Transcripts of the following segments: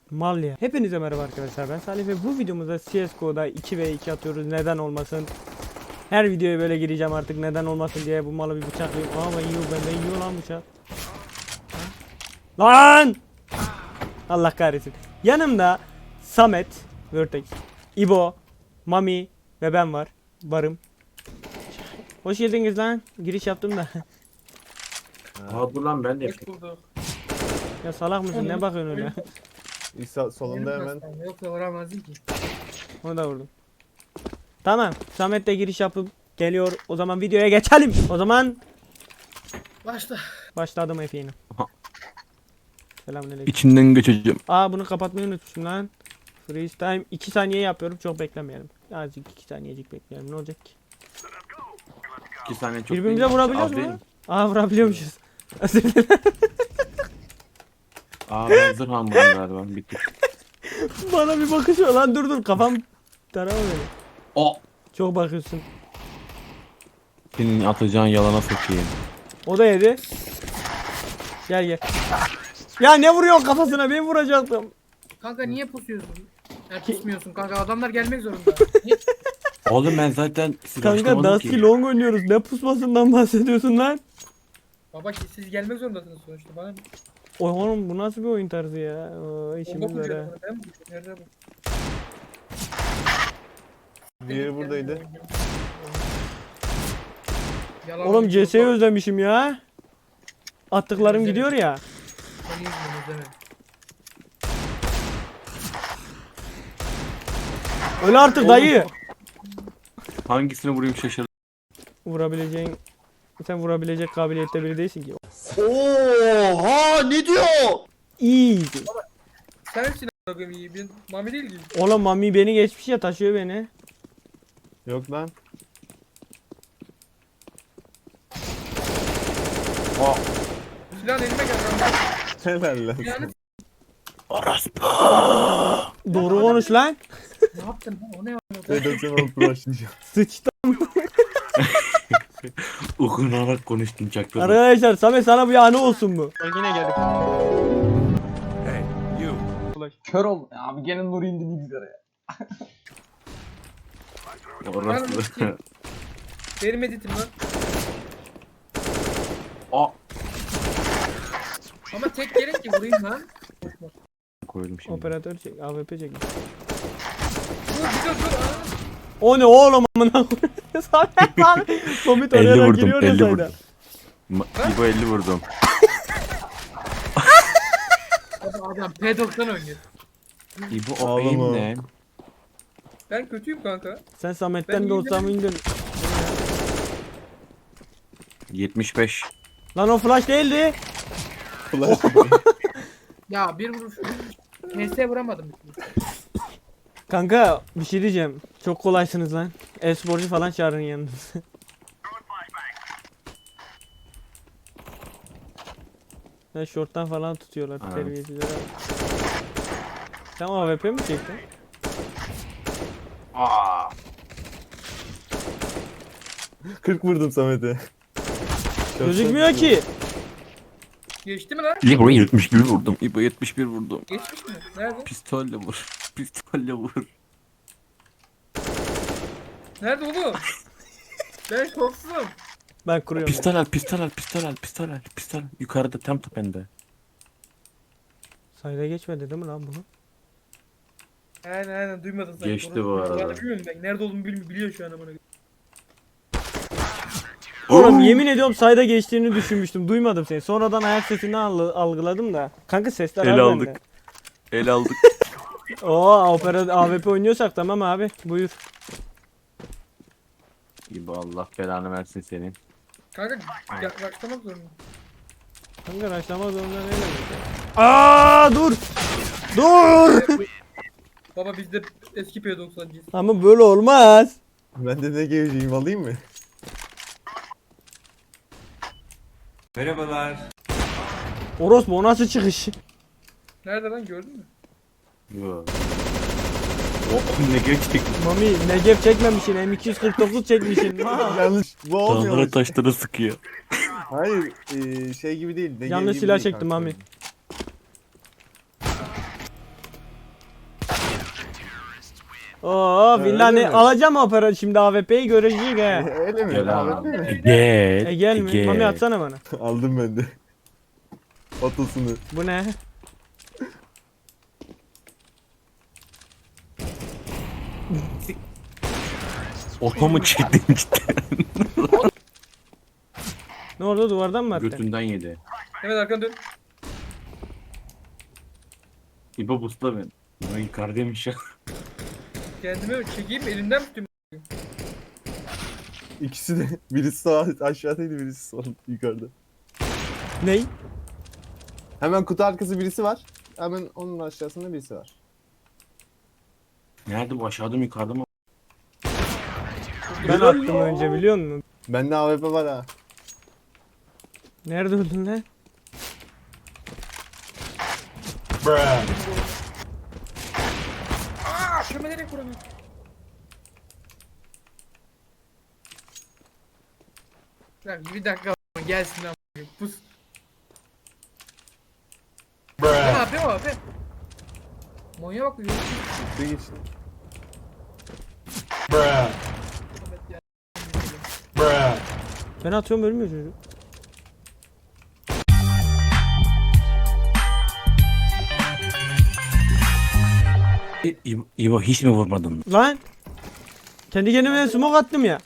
Mal ya. Hepinize merhaba arkadaşlar, ben Salih ve bu videomuzda CSGO'da 2v2 atıyoruz. Neden olmasın? Her videoya böyle gireceğim artık, neden olmasın diye. Bu malı bir bıçaklayayım. Aa ben yiyor, benden yiyor lan bıçak. Lan! Allah kahretsin. Yanımda Samet, Vertex, İbo, Mami ve ben varım. Hoş geldiniz lan. Giriş yaptım da. Aa dur lan ben de Hoş yapayım. bulduk. Ya salak mısın? Ne bakıyorsun öyle? İsa solunda hemen. Yoksa vuramazdım ki. Onu da vurdum. Tamam. Samet de giriş yapıp geliyor. O zaman videoya geçelim. O zaman Başla. başladım efendim. Selamünaleyküm. İçinden geçeceğim. Aa bunu kapatmayı unutmuşum lan. Freeze time 2 saniye yapıyorum. Çok beklemeyelim. Azıcık 2 saniyecik bekleyelim. Ne olacak ki? 2 saniye çok Birbirimize değil. vurabiliyoruz Az değil mu? mi? Aa vurabiliyormuşuz. Özür dilerim. Aa ben zırh almadım galiba. Bitti. Bana bir bakışıyor lan, dur kafam tarama beni. O. Çok bakıyorsun. Senin atacağın yalana sokayım. O da yedi. Gel. Ya ne vuruyorsun kafasına? Ben vuracaktım. Kanka niye pusuyorsun? Ya pusmuyorsun kanka, adamlar gelmek zorunda. Niye? Oğlum ben zaten Kanka Dusty Long oynuyoruz. Ne pusmasından bahsediyorsun lan? Baba siz gelmek zorundasınız sonuçta bana. Oy oğlum bu nasıl bir oyun tarzı ya? Oo, Bomba işimiz var ha. kuruyorum ben mi? Nerede bu? Diğeri buradaydı. Yalan Oğlum oyun, CS'yi yok. özlemişim ya. Attıklarım Özledim. gidiyor ya. Seni yüzünden özlemedim. Öyle artık dayı. Hangisini vurayım şaşırdım. Vurabileceğin, sen vurabilecek kabiliyette biri değilsin ki. Oha ne diyor? Easy. Sensin a**ım iyi, ben Mami değil ki. Oğlum Mami beni geçmiş ya, taşıyor beni. Yok lan. Silahın elime gel lan. Helal lan. Silahını Doğru konuş lan. ne yaptın lan, o ne yaptın? Redaksiyon alıp uğraşacağım. Sıçtı. Okunarak konuştum çaktım. Arkadaşlar Samet sana bir anı olsun bu. Yine geldik. Kör ol. Abi gene Nur indi bilgisayara ya. Orası. Benim editim lan. Aa. Ama tek gerek ki vurayım lan. Koydum şimdi. Operatör çek, AWP çek. Dur bir dur. O ne oğlum amına koyayım. Samet abi. Komit 50 oraya vurdum, giriyor 50 ya vurdum. sayda. İbo 50 vurdum. Adam P90 oynuyor. İbo o Ağlama. aim ne? Ben kötüyüm kanka. Sen Samet'ten Ben de olsam indin. 75. Lan o flash değildi. Flash. Ya bir vuruş. PS vuramadım. Kanka bir şey diyeceğim. Çok kolaysınız lan. E-sporcu falan çağırın yanınıza. Ya short'tan falan tutuyorlar Ha. terbiyesizler. Sen AWP mi çektin? Aa. 40 vurdum Samet'e. Gözükmüyor ki. Geçti mi lan? İbo 71 vurdum. İbo 71 vurdum. Geçmiş mi? Nerede? Pistolle vur. Pistolle vur. Nerede oğlum? Ben korksuzum. Ben kuruyorum. Pistol al, pistol al, pistol al, pistol al, pistol al. Yukarıda tam tepende. Sayda geçmedi değil mi lan bunu? Aynen duymadın sen. Geçti bu arada. Ben bilmiyorum ben. Nerede olduğumu biliyor şu an amına. Oğlum yemin ediyorum sayda geçtiğini düşünmüştüm. Duymadım seni. Sonradan ayak sesini algıladım da. Kanka sesler El az aldık. bende. El aldık. Oo opera AWP oynuyorsak tamam abi. Buyur. İbo Allah belanı versin senin. Kanka yaklaşmak zorundayım. Kanka raşlama zorunda ne demek? Aa dur. Dur. Baba bizde eski P90'cıyız. Ama böyle olmaz. Ben de ne geleceğim alayım mı? Orospu o nasıl çıkış? Nerede lan, gördün mü? Yo. Oh ne geçtik. Mami Necef çekmemişsin, M249 çekmişsin. Yanlış. Bu olmuyor. Dağlara taşlara sıkıyor. Hayır şey gibi değil. Ne Yanlış gibi silah değil çektim kanka. Mami. Oo Öyle villani mi? alacağım opera şimdi AWP'yi görecek he. Öyle mi? Gel Ahmet abi. değil mi? Gel. Gel mi? gel. Mami atsana bana. Aldım ben de. Otosunu. Bu ne? Otomu çektim cidden. Ne oldu duvardan mı attın? Götünden yedi. Evet arkanı dön. İbo busla beni. Ben yukarıdaymış ya. Kendimi çekeyim elimden tutayım. İkisi de. Birisi sağ aşağıdaydı, birisi sol yukarıda. Ney? Hemen kutu arkası birisi var. Hemen onun aşağısında birisi var. Nerede bu, aşağıda mı yukarıda mı? Ben attım önce biliyor musun? Bende AWP var ha. Nerede öldün lan? Aaa şunu nereye kuramıyorum. Bir dakika gelsin lan. Pus. Ne yapıyor abi? Monya bak. Çıktı geçti. Ben atıyorum ölmüyor çocuk. İbo hiç mi vurmadın? Lan! Kendi kendime smoke attım ya.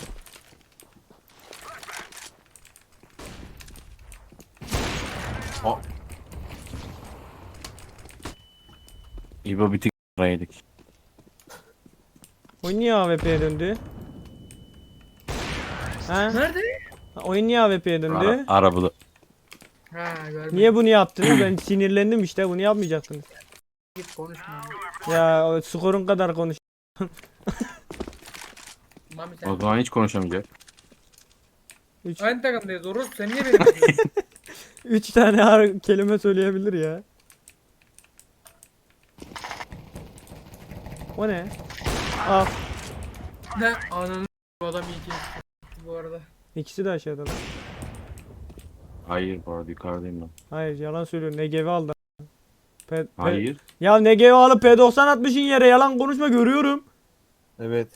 İbo bir tık yedik. Oyun niye AWP'ye döndü? Ha? Nerede? Oyun niye AWP'ye döndü? Arabada. Ha görmedim. Niye bunu yaptınız? Ben sinirlendim işte bunu yapmayacaktınız. Git konuşma. Ya o skorun kadar konuş. Mami sen. O zaman hiç konuşamayacak. Aynı takımdayız. Oruz sen niye benim yapıyorsun? 3 tane kelime söyleyebilir ya. O ne? Al. Ne? Ananı bu adam iyi ki. Bu arada. İkisi de aşağıda lan. Hayır bu arada yukarıdayım ben. Hayır yalan söylüyor. Negevi aldı. Hayır. Ya Negevi alıp P90 atmışın yere yalan konuşma görüyorum. Evet.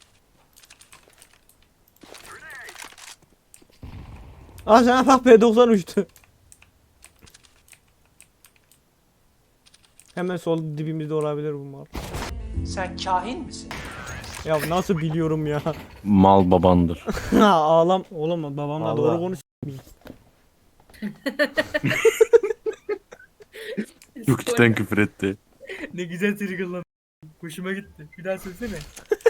Aa sana bak P90 uçtu. Hemen sol dibimizde olabilir bu mal. Sen kahin misin? Ya nasıl biliyorum ya. Mal babandır. Ağlam. Oğlum babamla Allah. doğru konuş. Çok cidden küfür etti. Ne güzel trigger lan. Hoşuma gitti. Bir daha söylesene.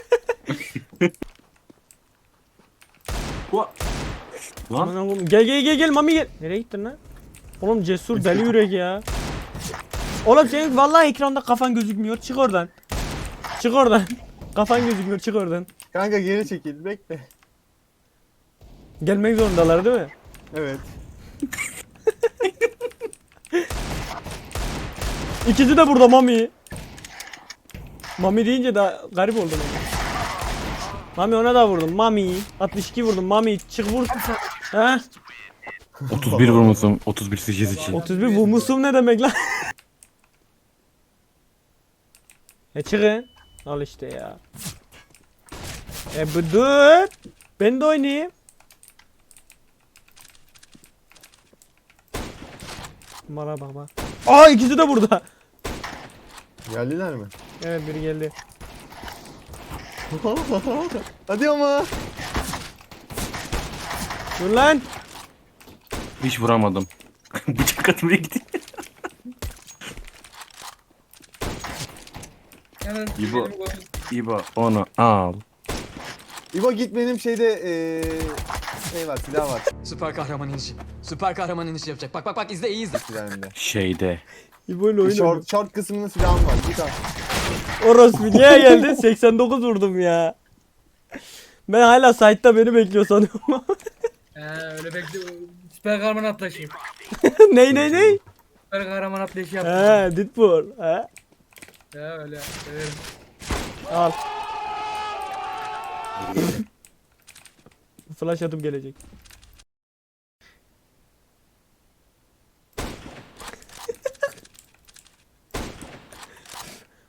Lan Aman oğlum, gel gel gel gel Mami gel. Nereye gittin lan? Oğlum cesur deli yürek ya. Oğlum senin vallahi ekranda kafan gözükmüyor. Çık oradan. Çık oradan. Kafan gözükmüyor. Çık oradan. Kanka geri çekil, bekle. Gelmek zorundalar değil mi? Evet. İkisi de burada Mami. Mami deyince de garip oldu bana. Mami ona da vurdum. Mami. 62 vurdum. Mami çık vur. He? 31 vurmuşum. 31 8 için. 31 vurmuşum ne demek lan? Çıkın. Al işte ya. Bu dur. Ben de oynayayım. Bana bak bak. Aa ikisi de burada. Geldiler mi? Evet biri geldi. Hadi ama. Dur lan. Hiç vuramadım. Bıçak atmaya gitti. Hemen İbo. benim golüm. İbo onu al. İbo git benim şeyde şey var, silah var Süper kahraman inişi. Süper kahraman inişi yapacak. Bak bak bak izle iyi izle. silahımda. Şeyde. İbo'yla oynuyor. Short kısmında silahım var. Git al. Orospu niye geldi? 89 vurdum ya. Ben hala site'da beni bekliyor sanıyorum. Öyle bekle. Süper kahraman atlayışı. ney? Süper kahraman atlayışı yaptım. He, Deadpool. He. Ya öyle. Severim. Al. Flash atıp gelecek.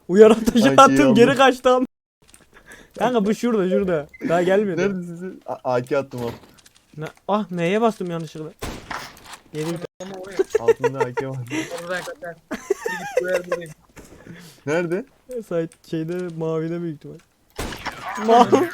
Uyaran taşı Ay, attım geri aldım. kaçtım. Kanka bu şurada. Daha gelmedi. Nerede sizi? AK attım al. Ah M'ye bastım yanlışlıkla. Yedi bir Ama oraya. Altında AK var. Orada kaçar. Bir git buraya buradayım. Nerede? tane site şeyde mavide büyük ihtimal. Mavi.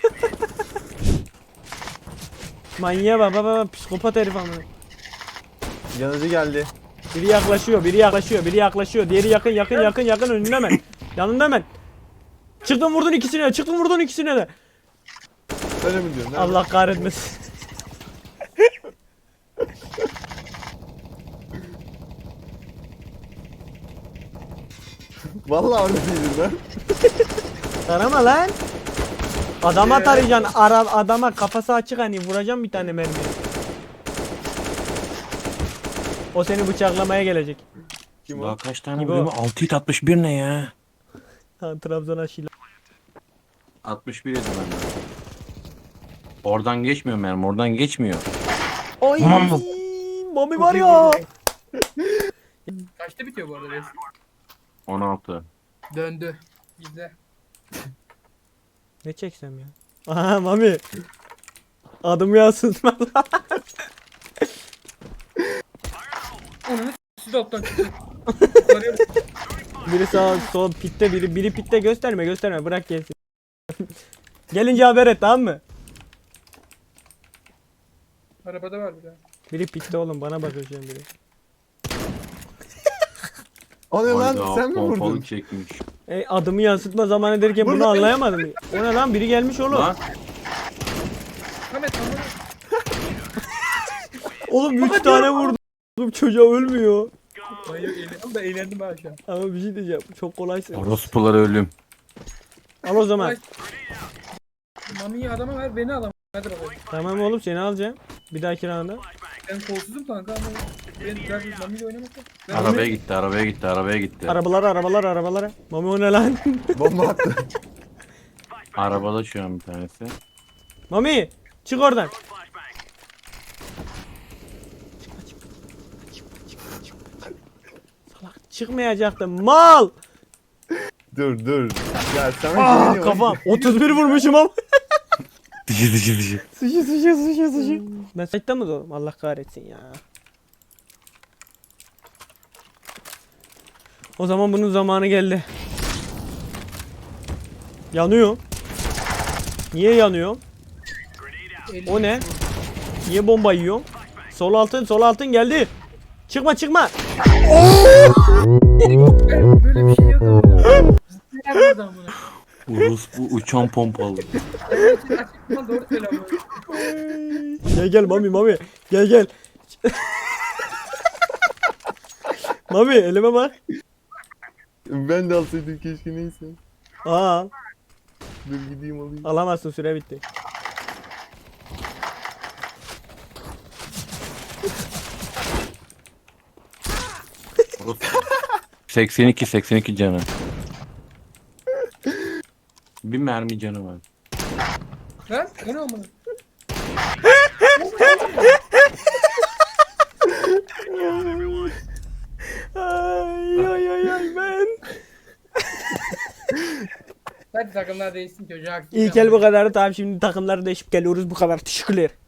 Manyağa bak bak psikopat herif amına. Yanıcı geldi. Biri yaklaşıyor, biri yaklaşıyor. Diğeri yakın önünde hemen. Yanında hemen. Çıktın vurdun ikisine de. Öyle mi diyorsun? Nerede? Allah kahretmesin. Vallahi orada değilim ben. Tarama lan. Adama tarayacaksın. Adama kafası açık hani vuracağım bir tane mermi. O seni bıçaklamaya gelecek. Kim o? Daha kaç tane İbo. vuruyor? 6 hit 61 ne ya? Ha, Trabzon aşıyla. 61 yedim ben de. Oradan geçmiyor mermi, oradan geçmiyor. Oy. Tamam. Mami var ya. Kaçta bitiyor bu arada resim? 16. Döndü. İzle. Ne çeksem ya? Aha Mami. Adım yansıtma lan. Onu siz alttan çıktı. Yukarıya bak. Biri sağ sol pitte biri pitte gösterme bırak gelsin. Gelince haber et tamam mı? Arabada var bir daha. Biri pitte oğlum bana bakıyor şu an biri. O ne lan? Hayda, Sen mi pompalı vurdun? çekmiş. Adımı yansıtma zamanı derken bunu anlayamadım. O ne lan biri gelmiş oğlum. Lan Ahmet tamam. Oğlum 3 tane vurdum. Oğlum çocuğa ölmüyor. Hayır eğlendim de eğlendim ha şu an. Ama bir şey diyeceğim. Çok kolaysın. orospular ölüm. Al o zaman. Mami'yi adama ver beni alamam. Hadi bakalım. Tamam oğlum seni alacağım. Bir dahaki rounda. Ben kolsuzum kanka ama ben Mami'yle oynamakta. Ben Arabaya gitti. Arabalara. Mami o ne lan? Bomba attı. Arabada şu an bir tanesi. Mami çık oradan. Salak çıkmayacaktım mal. Dur. Ya sen Kafam 31 vurmuşum ama. Dışı. Sıçı. Ben site'da mı doğdum? Allah kahretsin ya. O zaman bunun zamanı geldi. Yanıyor. Niye yanıyor? O ne? Niye bomba yiyorum? Sol altın geldi. Çıkma. böyle bir şey yok ama. Ne yapmadı amına? Orospu uçan pompalı. Açıkçası doğru söyle ama. Gel Mami. Gel. Mami elime bak. Ben de alsaydım keşke neyse. Aa, Dur gideyim alayım. alamazsın süre bitti. Orospu. 82 canı. Bir mermi canı var. Lan o ne amına? Ay ben. Hadi takımlar değişsin çocuğa. İlk el bu kadar. Tamam şimdi takımları değişip geliyoruz bu kadar. Teşekkürler.